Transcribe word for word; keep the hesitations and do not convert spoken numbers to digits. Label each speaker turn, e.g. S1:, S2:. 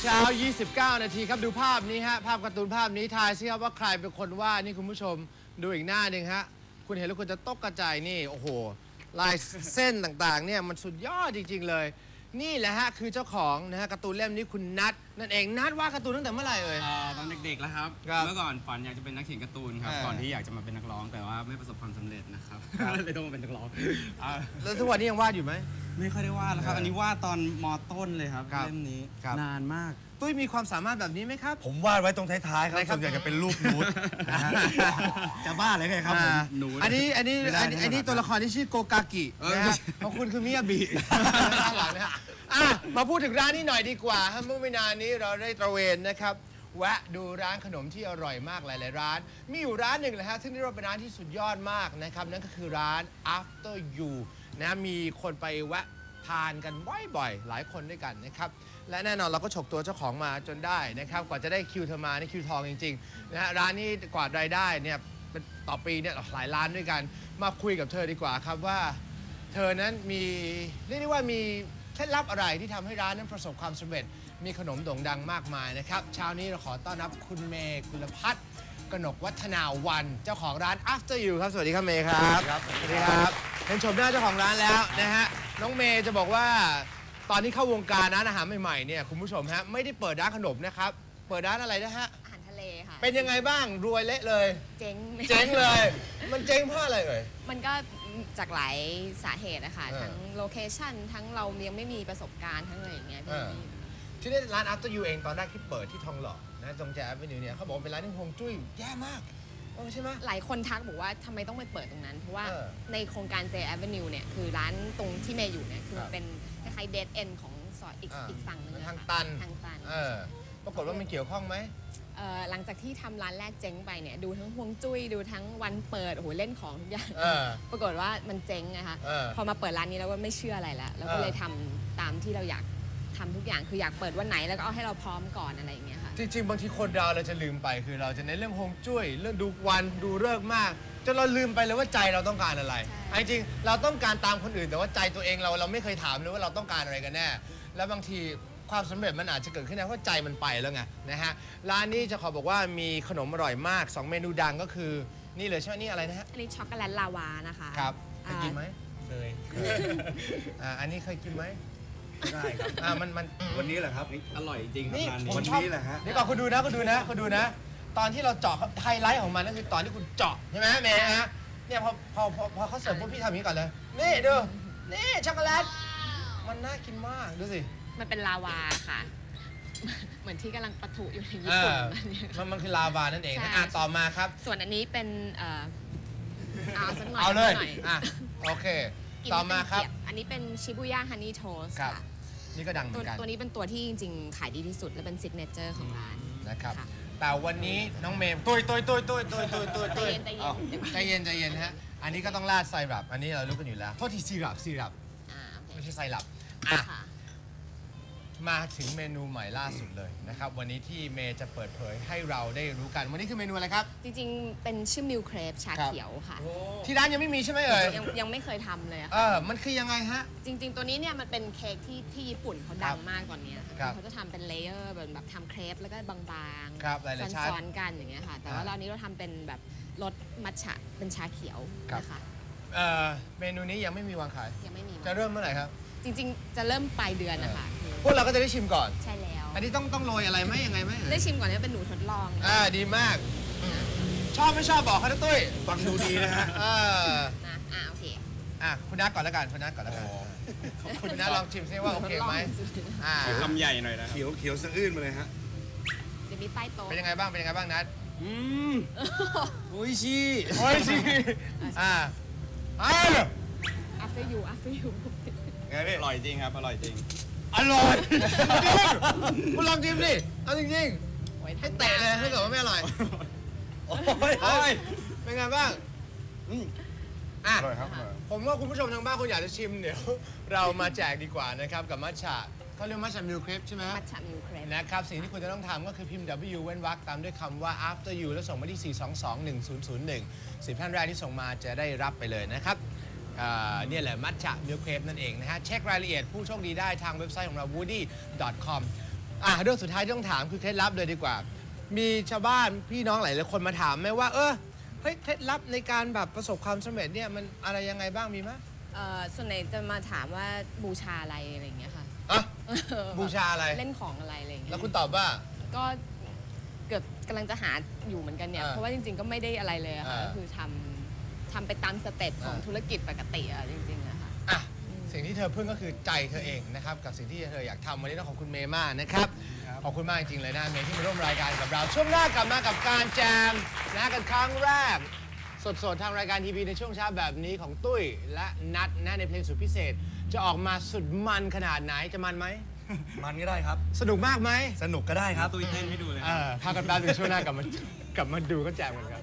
S1: เช้ายี่สิบเก้านาทีครับดูภาพนี้ฮะภาพการ์ตูนภาพนี้ทายซิครับว่าใครเป็นคนวาดนี่คุณผู้ชมดูอีกหน้าหนึ่งฮะคุณเห็นแล้วคุณจะตกกระจายนี่โอ้โหลายเส้นต่างๆเนี่ยมันสุดยอดจริงๆเลยนี่แหละฮะคือเจ้าของนะฮะการ์ตูนเล่มนี้คุณนัทนั่นเองนัทวาดการ์ตูนตั้งแต่เมื่อไหร่เอ่ย
S2: ตอนเด็กๆแล้วครับเมื่อก่อนฝันอยากจะเป็นนักเขียนการ์ตูนครับก่อนที่อยากจะมาเป็นนักร้องแต่ว่าไม่ประสบความสำเร็จนะครับเลยต้องมาเป็นนักร้อง
S1: แล้วทุกวันนี้ยังวาดอยู่ไหม
S2: ไม่ค่อยได้วาดแล้วครับอันนี้วาดตอนม.ต้นเลยครับเล่มนี้นานมาก
S1: ตุ้ยมีความสามารถแบบนี้ไหมครับ
S3: ผมวาดไว้ตรงท้ายๆครับส่วนใหญ่จะเป็นรูปนูดจะบ้าเลยไงครับ
S1: นูดอันนี้อันนี้อันนี้ตัวละครที่ชื่อโกกากินะฮะของคุณคือมิยาบิหลังนะฮะมาพูดถึงร้านนี้หน่อยดีกว่าเมื่อไม่นานนี้เราได้ตระเวนนะครับแวะดูร้านขนมที่อร่อยมากหลายๆร้านมีอยู่ร้านหนึ่งเลยฮะซึ่งเรียกว่าเป็นร้านที่สุดยอดมากนะครับนั่นก็คือร้าน After You นะมีคนไปแวะทานกันบ่อยๆหลายคนด้วยกันนะครับและแน่นอนเราก็ฉกตัวเจ้าของมาจนได้นะครับกว่าจะได้คิวเธอมานี่คิวทองจริงๆนะฮะร้านนี้กว่ารายได้เนี่ยเป็นต่อปีเนี่ยหลายล้านด้วยกันมาคุยกับเธอดีกว่าครับว่าเธอนั้นมีเรียกได้ว่ามีเคล็ดลับอะไรที่ทำให้ร้านนั้นประสบความสำเร็จมีขนมโด่งดังมากมายนะครับเช้านี้เราขอต้อนรับคุณเมย์กุลพัฒน์กนกวัฒนาวันเจ้าของร้าน After You ครับสวัสดีครับเมย์ครับสวัสดีครับเห็นชมหน้าเจ้าของร้านแล้วนะฮะน้องเมย์จะบอกว่าตอนที่เข้าวงการร้านอาหารใหม่ๆเนี่ยคุณผู้ชมฮะไม่ได้เปิดร้านขนมนะครับเปิดร้านอะไรนะฮะ
S4: อาหารทะเลค่ะ
S1: เป็นยังไงบ้างรวยเละเลย
S4: เจ๊ง
S1: เจ๊งเลยมันเจ๊งเพราะอะไรเอ่ย
S4: มันก็จากหลายสาเหตุนะคะทั้งโลเคชั่นทั้งเรายังไม่มีประสบการณ์ทั้งอะไรอย่างเงี้ย
S1: ที่นี่ร้าน After You เองตอนแรกที่เปิดที่ทองหล่อนะตรงแจ๊บไปนิวเนี่ยเขาบอกเป็นร้านที่ฮวงจุ้ยแย่มากใช่ไหม
S4: หลายคนทักบอกว่าทำไมต้องไปเปิดตรงนั้นเพราะว่าในโครงการ J Avenue เนี่ยคือร้านตรงที่เมย์อยู่เนี่ยคือเป็นคล้ายๆ dead end ของซอยอีกอีกฝั่งนึง
S1: ทางตัน
S4: ทางตัน
S1: ปรากฏว่ามันเกี่ยวข้องไหม
S4: หลังจากที่ทำร้านแรกเจ๊งไปเนี่ยดูทั้งฮวงจุ้ยดูทั้งวันเปิดโอ้โหเล่นของทุกอย่างปรากฏว่ามันเจ๊งนะคะพอมาเปิดร้านนี้แล้วก็ไม่เชื่ออะไรแล้วเราก็เลยทำตามที่เราอยากทำทุกอย่างคืออยากเปิดวันไหนแล้วก็เอาให้เราพร้อมก่อนอะไรอย่างเงี้ยค่ะ
S1: จริงๆบางทีคนเราเราจะลืมไปคือเราจะในเรื่องฮวงจุ้ยเรื่องดูวันดูฤกษ์มากจนเราลืมไปเลยว่าใจเราต้องการอะไรจริงๆเราต้องการตามคนอื่นแต่ว่าใจตัวเองเราเราไม่เคยถามเลยว่าเราต้องการอะไรกันแน่แล้วบางทีความสำเร็จมันอาจจะเกิดขึ้นได้เพราะใจมันไปแล้วไงนะฮะร้านนี้จะขอบอกว่ามีขนมอร่อยมากสองเมนูดังก็คือนี่เลยใช่ไหมนี่อะไรนะฮะ
S4: อันนี้ช็อกโกแลตลาวานะคะ
S1: ครับเคยกินไหม
S3: เคย
S1: อ่าอันนี้เคยกินไหม
S3: ได้ครับ
S1: อ่ามันมัน
S3: วันนี้แหละครับ
S2: อร่อยจริง
S1: นี่
S3: วันนี้แหละฮะ
S1: เดี๋ยวก่อนคุณดูนะคุณดูนะคุณดูนะตอนที่เราเจาะไฮไลท์ของมันก็คือตอนที่คุณเจาะใช่ไหมแม่ฮะเนี่ยพอพอพอเขาเสิร์ฟพวกพี่ทำอย่างนี้ก่อนเลยนี่ดูนี่ช็อกโกแลตมันน่ากินมากดูสิ
S4: มันเป็นลาวาค่ะเหมือนที่กำลังปะทุอยู่ในญี่ปุ่น
S1: มันมันคือลาวานั่นเองอ่ะต่อมาครับ
S4: ส่วนอันนี้เป็นเอ่อเอาสักหน่อย
S1: เอาเลยอ่ะโอเคต่อมาครับ
S4: อันนี้เป็นชิบุย่าฮันนี่โทสค่ะ
S1: นี่ก็ดังเหมือนกัน
S4: ตัวนี้เป็นตัวที่จริงๆขายดีที่สุดและเป็นซิกเนเจอร์ของร้าน
S1: นะครับแต่วันนี้น้องเมย์ตุยตุยตุยตุยตุยตุยตุยตุยใจเย็นใจเย็นฮะอันนี้ก็ต้องราดไซรัปอันนี้เรารู้กันอยู่แล้วโทษทีซีรัปซีรัปไม่ใช่ไซรัปมาถึงเมนูใหม่ล่าสุดเลยนะครับวันนี้ที่เมย์จะเปิดเผยให้เราได้รู้กันวันนี้คือเมนูอะไรครับ
S4: จริงๆเป็นชื่อมิลเครปชาเขียวค่ะ
S1: ที่ร้านยังไม่มีใช่ไหมเอ่ย
S4: ยังยังไม่เคยทำเลย
S1: เออมันคือยังไงฮะ
S4: จริงๆตัวนี้เนี่ยมันเป็นเค้กที่ที่ญี่ปุ่นเขาดังมากตอนนี้เขาจะทำเป็นเลเยอร์แบบแบบทำเครปแล้วก็บางๆซ้อนๆกันอย่างเงี้ยค่ะแต่ว่าเรานี้เราทำเป็นแบบรสมัทฉะเป็นชาเขียวนะคะ
S1: เมนูนี้ยังไม่มีวางขาย
S4: ยังไม่มี
S1: จะเริ่มเมื่อไหร่ครับ
S4: จริงๆจะเริ่มปลายเดือนนะคะ
S1: พวกเราก็จะได้ชิมก่อน
S4: ใช่แล้ว
S1: อันนี้ต้องต้องโรยอะไรไหมยังไงไหม
S4: ได้ชิมก่อนนี่เป็นหนูทดลอง
S1: อ่าดีมากชอบไม่ชอบบอกเขาตุ้ย
S3: ฟังดูดีนะฮะ
S4: อ่าอ่าโอเค
S1: อ่ะคุณนัทก่อนแล้วกันคุณนัทก่อนแล้วกันคุณนัทลองชิมซิว่าโอเคไหม
S2: อ่าคำใหญ่หน่อยนะ
S3: เขียวเขียวสะอื้นมาเลยฮะ
S4: เดี๋ยวมีใต้โต๊ะ
S1: เป็นยังไงบ้างเป็นยังไงบ้างนัท
S2: อืมโอ้ยชี
S1: โอ้ยชีอ่าอ่า
S4: after you after you
S2: อร่อยจริงครับอร่อยจริง
S1: อร่อยจริงคุณลองชิมดิเอาจริงๆให้แตะเลยถ้าเกิดว่าไม่อร่อยโอ้ยเป็นไงบ้างอ่ะผมว่าคุณผู้ชมทางบ้านคุณอยากจะชิมเดี๋ยวเรามาแจกดีกว่านะครับกับมัทฉะเขาเรียกมัทฉะมิลเครปใช่ไหม
S4: มัทฉะมิลเครป
S1: นะครับสิ่งที่คุณจะต้องทำก็คือพิมพ์ W เว้นวรรคตามด้วยคำว่า after you แล้วส่งมาที่สี่ สอง สอง หนึ่ง ศูนย์ ศูนย์ หนึ่งสิบท่านแรกที่ส่งมาจะได้รับไปเลยนะครับเนี่ยแหละมัทฉะมิลเครปนั่นเองนะฮะเช็ครายละเอียดผู้โชคดีได้ทางเว็บไซต์ของเรา วูดดี้ ดอท คอมอ่ะเรื่องสุดท้ายที่ต้องถามคือเคล็ดลับเลยดีกว่า มีชาวบ้านพี่น้องหลายๆคนมาถามไหมว่าเออเฮ้ยเคล็ดลับในการแบบประสบความสำเร็จเนี่ยมันอะไรยังไงบ้างมีไหม
S4: เอ่อส่วนใหญ่จะมาถามว่าบูชาอะไรอะไรอย่างเงี้ยค่ะ
S1: อ่ะบูชาอะไร
S4: เล่นของอะไรอะไรอย่างเงี้
S1: แล้ว
S4: ย
S1: คุณตอบว่า
S4: ก็เกือบกำลังจะหาอยู่เหมือนกันเนี่ย
S1: อ่า
S4: เพราะว่าจริงๆก็ไม่ได้อะไรเลยอะค่ะ
S1: อ่า
S4: ก็คือทำทำไปตามสเต็ปของ
S1: อ่า
S4: ธุรกิจปกติอะจริงๆอะค่ะ
S1: อ่ะสิ่งที่เธอพึ่งก็คือใจเธอเองนะครับกับสิ่งที่เธออยากทำวันนี้ต้องขอบคุณเมย์มากนะครับขอบคุณมากจริงๆเลยนะเมย์ที่มาร่วมรายการกับเราช่วงหน้ากลับมากับการแจมนะกันครั้งแรกสดๆทางรายการทีวีในช่วงเช้าแบบนี้ของตุ้ยและนัดนะในเพลงสุดพิเศษ จะออกมาสุดมันขนาดไหนจะมันไหม
S3: มันก็ได้ครับ
S1: สนุกมากไหม
S3: สนุกก็ได้ครับ
S2: ตุ้ยเต้นให้ดูเลย
S1: เออพากันแป๊บนึงช่วงหน้ากลับมากลับมาดูก็แจมกันครับ